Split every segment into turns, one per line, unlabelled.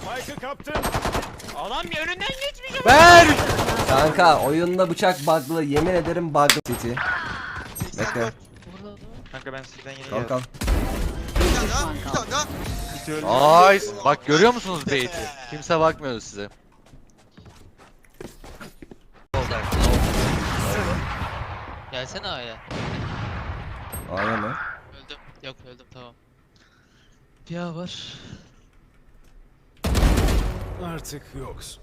Spike'ı kaptın.
Adam bir önünden geçmiş.
Ver!
Kanka oyunda bıçak bug'lı, yemin ederim bug'lı City. Bekle.
Kanka ben sizden yeni
Kalk kalk.
Bir tane daha.
Nice. Bak görüyor musunuz bait'i? Kimse bakmıyordu size.
Gelsene A'ya.
A'ya mı?
Öldüm. Yok öldüm tamam. Bir A var.
Artık yoksun.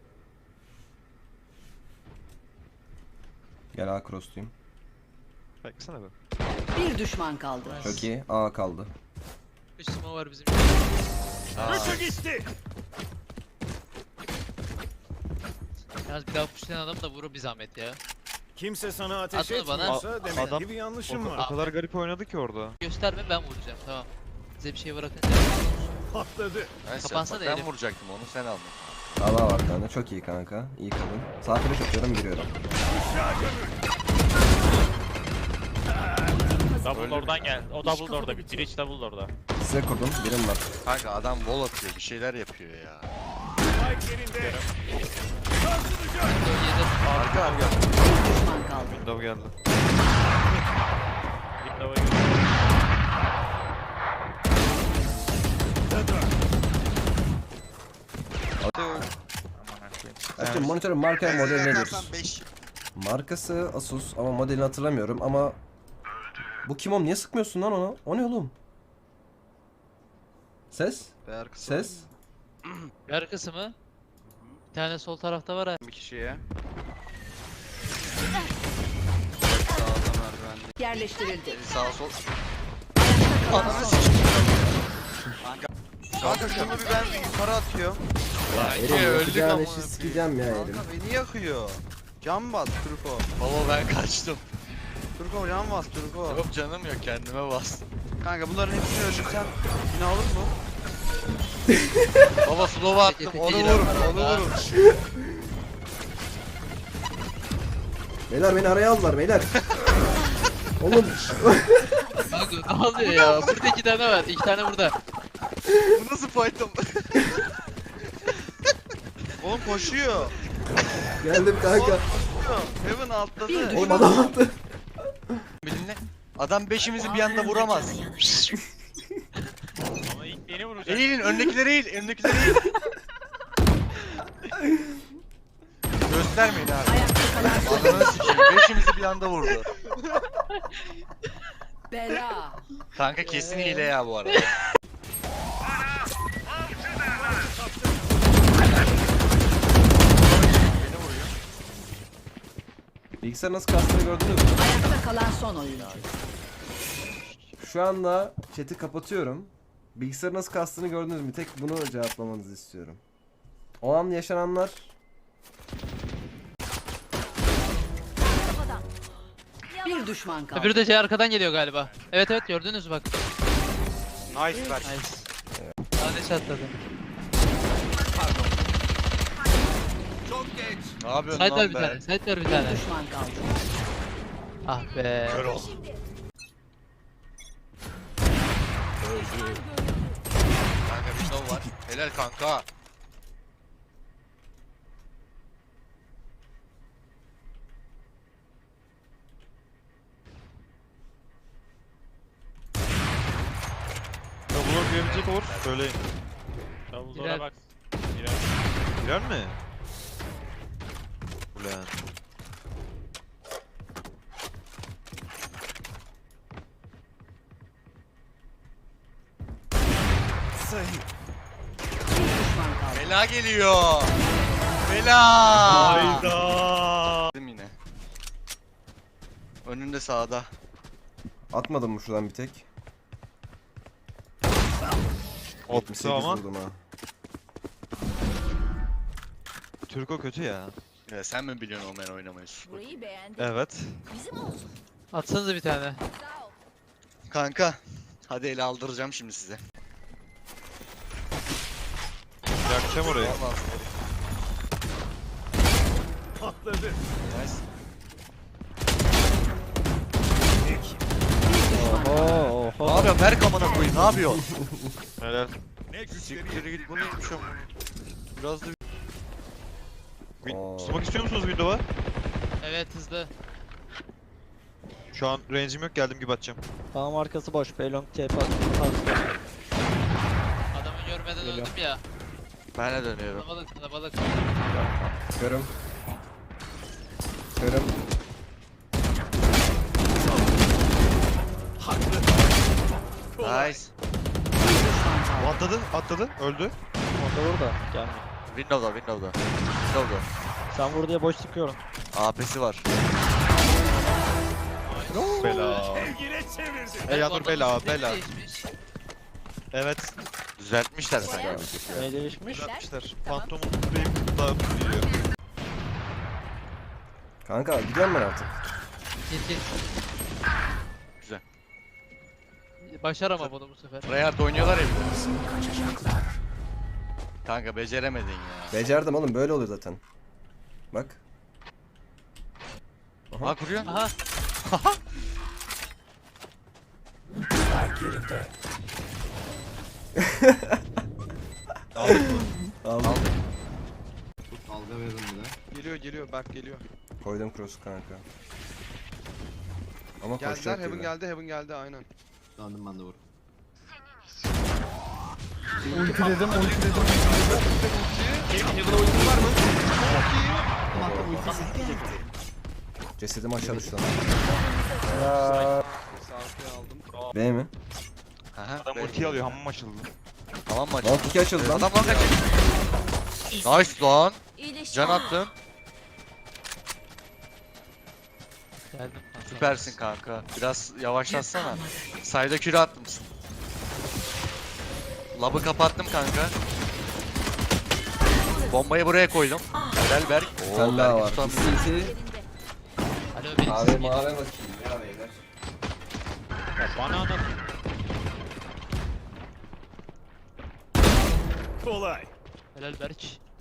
Gel A cross'tuyum.
Baksana be.
Bir düşman kaldı.
Çok iyi. A kaldı.
Üstüme var bizim.
Üçü gitti.
Yalnız bir daha pushlayan adam da vurur bir zahmet ya.
Kimse sana ateş
Atma bana.
etmiyorsa demek
Adam-
ki bir yanlışım
O
var.
kadar garip oynadı ki orada.
Gösterme ben vuracağım tamam. Size bir şey bırakınca.
Patladı.
Neyse,
Kapansana
bak ben
Elif.
vuracaktım onu sen aldın.
A var tane. Çok iyi kanka. İyi kadın. Sağ flash atıyorum, giriyorum.
Double oradan gel. O double orada. Bir bridge double orada.
Size kurdum. Birim var.
Kanka adam wall atıyor bir şeyler yapıyor ya.
Spike yerinde.
Arka arka.
Bir düşman kaldı.
Window geldi. Window'a
Açtım monitörün marka ve modeli nedir?
Yakarsan 5.
Markası Asus ama modelini hatırlamıyorum ama... Bu kim oğlum? Niye sıkmıyorsun lan ona? O ne oğlum? Ses? Ses?
Bir arkası mı? Bir tane sol tarafta var ha.
Bir kişiye.
Yerleştirildi.
Sağ sol.
Ananı sikeyim.
Kanka şunu bir ben yukarı atıyorum.
Erim
öldük
yakacağın
amına
eşi
koyayım.
sikeceğim ya Erim.
Kanka beni yakıyor. Can bas Turko.
Baba ben kaçtım.
Turko can bas Turko.
Yok canım yok kendime bastım.
Kanka bunların hepsini öldürsen yine alır mı?
Baba slow'a attım onu vurun onu vurun.
Beyler beni araya aldılar beyler. Oğlum
Kanka ne oluyor ya? Burada 2 tane var. 2 tane burada.
Bu nasıl fight'ım?
Oğlum koşuyor.
geldim kanka.
Heaven atladı.
Bir
Oğlum adam attı.
Bilinle. Adam beşimizi bir anda vuramaz.
Ama ilk beni vuracak.
Eğilin öndekileri eğil öndekileri eğil. Göstermeyin abi.
Ayakta kalan son.
Ananı sikeyim beşimizi bir anda vurdu.
Bela.
Kanka kesin hile ya bu arada. Beni vuruyor.
Bilgisayar nasıl kastığını gördünüz mü?
Ayakta kalan son oyuncu.
Şu anda chat'i kapatıyorum. Bilgisayar nasıl kastığını gördünüz mü? Tek bunu cevaplamanızı istiyorum. O an yaşananlar...
Bir düşman kaldı.
Öbürü de şey arkadan geliyor galiba. Evet evet gördünüz mü bak.
Nice ver.
Nice. Tane atladı.
Ne yapıyorsun
Side var
lan
bir
be?
tane. Side var bir
Bir
tane.
düşman kaldı.
Ah be.
Kör ol. Kanka window var. Helal kanka.
Double'or gömecek olur. Söyleyin.
Girer.
Double'ora bak. Girer. Girer mi? Ulan.
Bir düşman kaldı.
Bela geliyor. Bela.
Hayda.
Yine. Önünde sağda.
Atmadım mı şuradan bir tek?
Attı
78
ama.
vurdum ha.
Turko kötü ya.
Ya sen mi biliyorsun Omen oynamayı?
Burayı beğendim.
Evet.
Bizim olsun.
Atsanıza bir tane.
Sağ ol.
Kanka. Hadi ele aldıracağım şimdi size.
Yakacağım orayı.
Vallahi.
Patladı.
Nice.
Bir düşman kaldı.
Oho
Ne yapıyorsun? Ver kamana koyayım. Ne yapıyorsun?
Helal.
Ne güçleri
Siktir git bu neymiş ama. Biraz da
Oo.
Smoke istiyor musunuz Windows'a?
Evet hızlı.
Şu an range'im yok, geldim gibi atacağım.
Tamam arkası boş. Beylong TP attı.
Adamı görmeden
Geliyor.
öldüm ya.
ben de dönüyorum.
Kalabalık kalabalık.
Körüm. Körüm.
Nice.
Bir düşman kaldı.
Atladı, öldü.
Orada vur da gelmiyor.
Windows'da.
Sen vur diye boş sıkıyorum.
AP'si var.
Bela.
sevgine çevirdi.
Ey Yanur bela,
Adamın
bela.
değişmiş.
Evet,
Düzeltmişler sanki.
Ne değişmiş?
yapmışlar.
Tamam.
Phantom'un spray'i daha geliyor.
Kanka gidiyorum ben artık.
Git.
Güzel.
Başar ama bunu bu sefer.
Rayard oynuyorlar ya bir de. Kanka beceremedin ya.
Becerdim oğlum, böyle oluyor zaten. Bak.
Ha kuruyor.
Aha.
Aldım.
Geliyor Berk geliyor.
Koydum cross'u kanka. Ama
Geldiler
koşacak
Heaven
gibi.
geldi Heaven geldi aynen.
Cesedimi aşağı düştü lan.
Saati aldım.
B mi?
Aha.
Adam ulti alıyor, hamam açıldı.
Tamam mı?
Lan tiki açıldı lan.
Adam lan kaçın. Nice lan.
İyileşti.
Can attın.
Geldim.
Süpersin kanka. Biraz yavaşlatsana. Sayda küre atmışsın. Labı kapattım kanka. Bombayı buraya koydum. Helal Berk.
Bir tane daha var.
Yerinde.
Alo benim
Abi
sesim
mavi
geliyor.
bakayım ya beyler.
Kolay.
Helal Berk.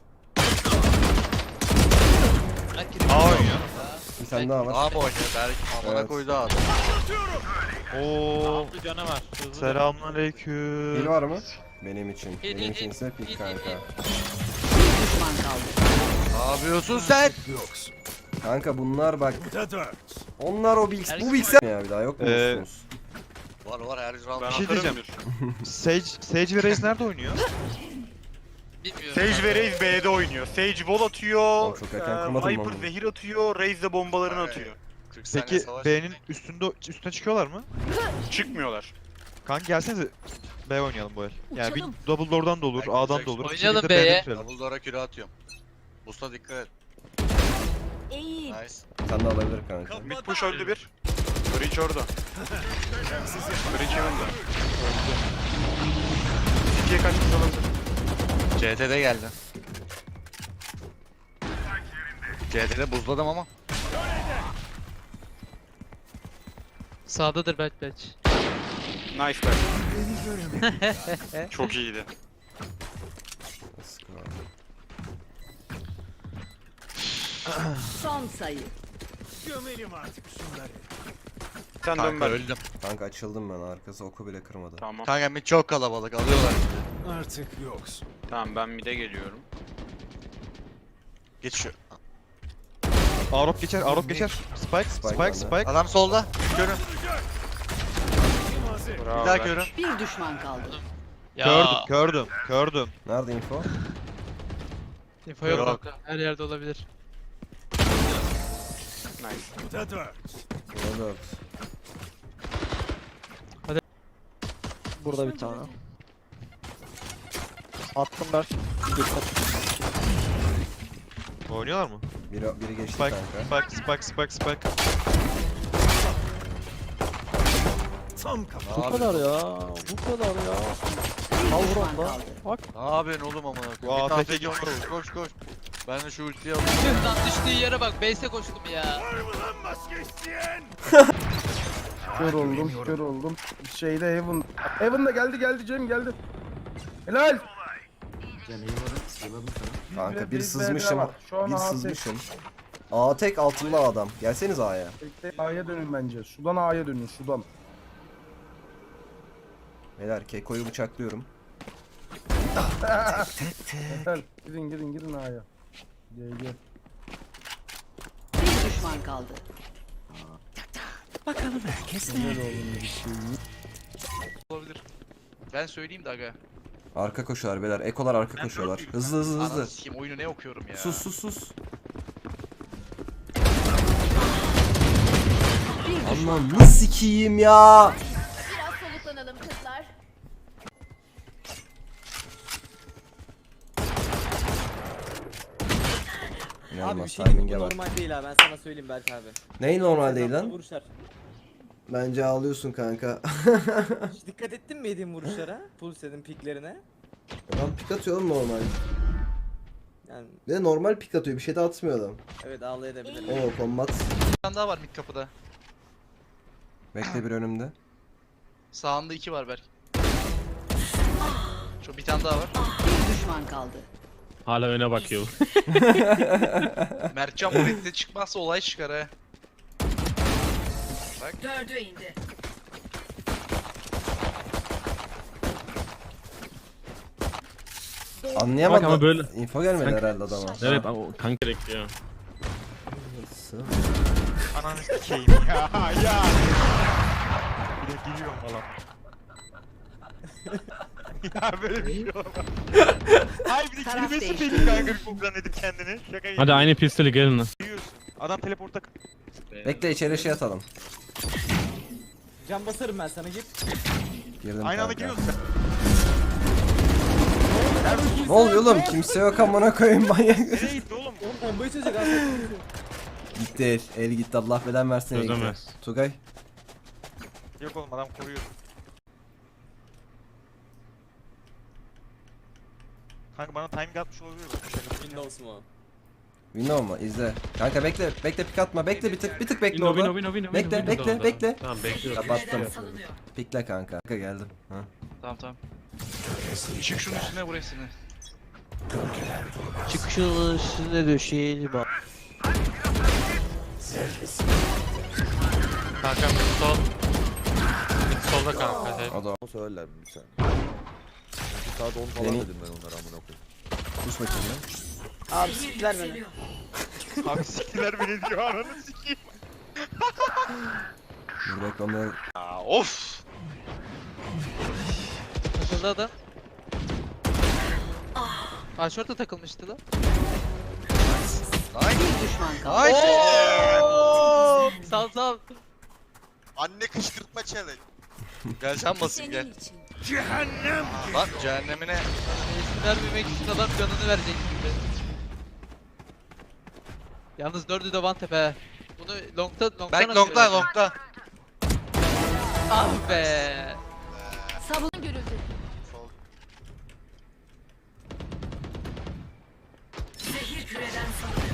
A oynuyor.
Bir tane daha var.
A mı oynuyor Berk? Amına
Evet.
koydu adam.
Oo.
Bir canavar. Hızlı.
Pil
Selamünaleyküm.
var mı? Benim için.
Pil,
Benim
pil,
içinse
pil,
pil
pil,
kanka.
Bir düşman kaldı.
Ne yapıyorsun sen?
Yoksun.
Kanka bunlar bak.
Bu da 4.
Onlar o bilgisayar. Bu
Erkek
bilgisayar ya bir daha yok mu
Ee,
musunuz?
Var her round.
Bir şey diyeceğim. Sage ve Raze nerede oynuyor?
Bilmiyorum.
Sage ve Raze B'de oynuyor. Sage wall atıyor,
Oğlum çok erken kurmadım
Viper
onu.
zehir atıyor, Raze de bombalarını
Aynen.
atıyor.
40 saniye
Peki
savaş.
B'nin üstüne çıkıyorlar mı?
Çıkmıyorlar.
Kanka gelsenize B oynayalım bu el. Yani bir
Uçalım.
double door'dan da olur,
Kanka,
A'dan da olur. Bir
Oynayalım
şekilde
B'ye.
B'den bitirelim.
Doubledoor'a küre atıyorum. Boost'a dikkat et.
İyi.
Nice.
Sen de alabilir kanka.
Mid push öldü bir. Breach orada. Breach yanında. İkiye kaçmış olabilir.
CT'de geldi. CT'de buzladım ama.
Sağdadır Berk.
Nice be. Çok iyiydi.
Sıkı var.
Son sayı.
Gömelim artık şunları.
Sen dön
Kanka
ben.
öldüm.
Kanka açıldım ben, arkası oku bile kırmadı.
Tamam.
Kanka mid çok kalabalık alıyorlar bizi.
Artık yoksun.
Tamam ben mid'e geliyorum.
Geç şu.
Arop geçer. Spike,
Spike bende.
Spike.
Adam solda. Körüm.
Kim hazır?
Bravo.
Bir daha
Berk.
körüm.
Bir düşman kaldı.
Ya.
Gördüm.
Nerede info?
Info yok
Yok.
kanka. Her yerde olabilir.
Nice.
Bu da 4.
Burada 4.
Burada bir tane. Attım Berk. Dikkat.
Oynuyorlar mı?
Biri geçti
Spike,
kanka.
Spike.
Tam kafa.
Bu kadar ya. Bu kadar ya.
Bir
Al vur
düşman
onda.
kaldı.
Bak.
Ne yapıyorsun oğlum amına
Bu
koyayım? Bir
AFK
tane
gibi.
koş. Ben de şu ultiyi alayım.
Tüh lan düştüğü yere bak. Base'e koştum ya.
Var mı lan maske isteyen?
Kör oldum. Şeyde Heaven. Heaven da geldi Cem geldi. Helal.
Kanka bir
Bir
sızmışım.
var. Şu an
Bir
A
sızmışım. A tek altında adam. Gelseniz A'ya.
Bekle, A'ya dönün bence. Sudan A'ya dönün sudan.
Beyler Keko'yu bıçaklıyorum.
Helal. Girin A'ya. Gel.
Bir düşman kaldı.
Olabilir. Ben söyleyeyim de aga.
Arka koşuyorlar beyler. Ekolar arka koşuyorlar. Hızlı.
Ananı sikeyim, oyunu ne okuyorum ya.
Sus.
Bir düşman
Anam nasıl sikiyim ya?
Biraz soluklanalım kızlar.
İnanılmaz timing'e bak.
normal değil ha ben sana söyleyeyim Berk abi.
Neyi normal değil lan?
Vuruşlar.
Bence ağlıyorsun kanka.
Hiç dikkat ettin mi yediğin vuruşlara? Pulse'nin piklerine.
Adam pik atıyor oğlum normal.
Yani
Bir de normal pik atıyor. Bir şey de atmıyor adam.
evet ağlayabilirim.
Oo kombat.
Bir tane daha var mid kapıda.
Bekle bir önümde.
Sağında 2 var belki. Şu bir tane daha var.
Bir düşman kaldı.
Hala öne bakıyor.
Mertcan bu redde çıkmazsa olay çıkar ha.
Dördü indi.
Anlayamadım.
Bak ama böyle-
Info gelmedi herhalde adama.
Evet ama o kanka bekliyor.
Ananı sikeyim ya. Bir de giriyorum falan. Ya böyle bir şey olamaz. Hayır bir de
Taraf
girmesi
değişti.
benim kanka bir koklan edip kendini. Şaka
Hadi aynı pistoli gelin lan.
Giriyorsun. Adam teleporta...
Bekle içeri şey atalım.
Can basarım ben sana git.
Girdim
Aynı anda
kanka.
giriyorsun sen.
Ne oluyor oğlum? Kimse yok amına koyayım manyak.
Nereye gitti oğlum?
Oğlum bombayı çözecek aslında.
Gitti. El gitti. Allah beden versin el gitti.
Çözemez.
Tugay.
Yok oğlum adam koruyor. Kanka bana timing atmış olabilir mi?
Windows mu?
Window mu? İzle. Kanka bekle. Bekle pik atma. Bekle bir tık bekle orada. Bekle.
Tamam bekliyorum.
Kapattım. Pikle kanka. Kanka geldim. Ha.
Tamam. Çık şunun üstüne burasını.
Çıkışın üstüne döşeyelim bak.
Kanka sol. Solda kanka.
O da
Söylerler mi bir saniye? Çünkü saat 10 falan
Beni-
dedim ben onlara amına koyayım.
sus bakayım ya.
Abi siktiler beni.
Abi siktiler beni diyor ananı sikeyim.
Dur bekle onları.
Aa, of.
Takıldı adam. Aşorta takılmıştı lan.
Bir düşman kaldı.
Sal.
Anne kışkırtma challenge.
Gel sen basayım gel.
Cehennem.
Bak cehennemine.
Eski vermemek için adam canını verecek gibi. Yalnız dördü de one tap he. Bunu long'tan
Berk
atıyor
longla
herhalde.
longla.
Ah be.
Savun görüldü. Zehir küreden salınıyor.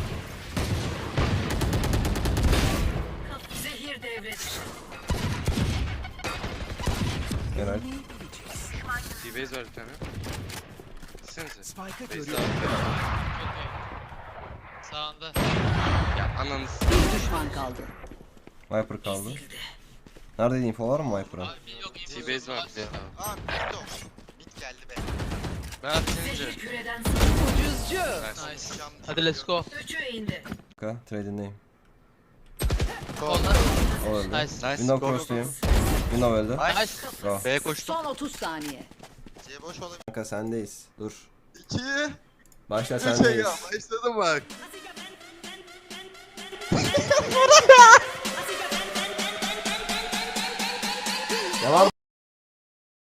Zehir devre dışı.
Genel.
T-base var bir tane. Gitsenize.
Spike'ı
Base
görüyor.
abi.
Sağında.
Ya ananı s-
Bir düşman kaldı.
Viper kaldı. Nerede info var mı Viper'a?
Abi yok infosu
T-base var bize.
Aa bitti o. Bit geldi be.
Ben atınca.
Küreden salınıyor. Ucuzcu.
Nice. Hadi let's go.
Üçü indi.
Kanka trade'indeyim.
Onlar.
O öldü.
Nice.
Nice.
Window
Go, go, go.
cross'tayım. Window öldü.
Nice.
Go.
B'ye koştum.
Son 30 saniye.
C boş olabilir.
Kanka sendeyiz. Dur.
2
Başla
3
sendeyiz.
ya başladım bak.
Devam.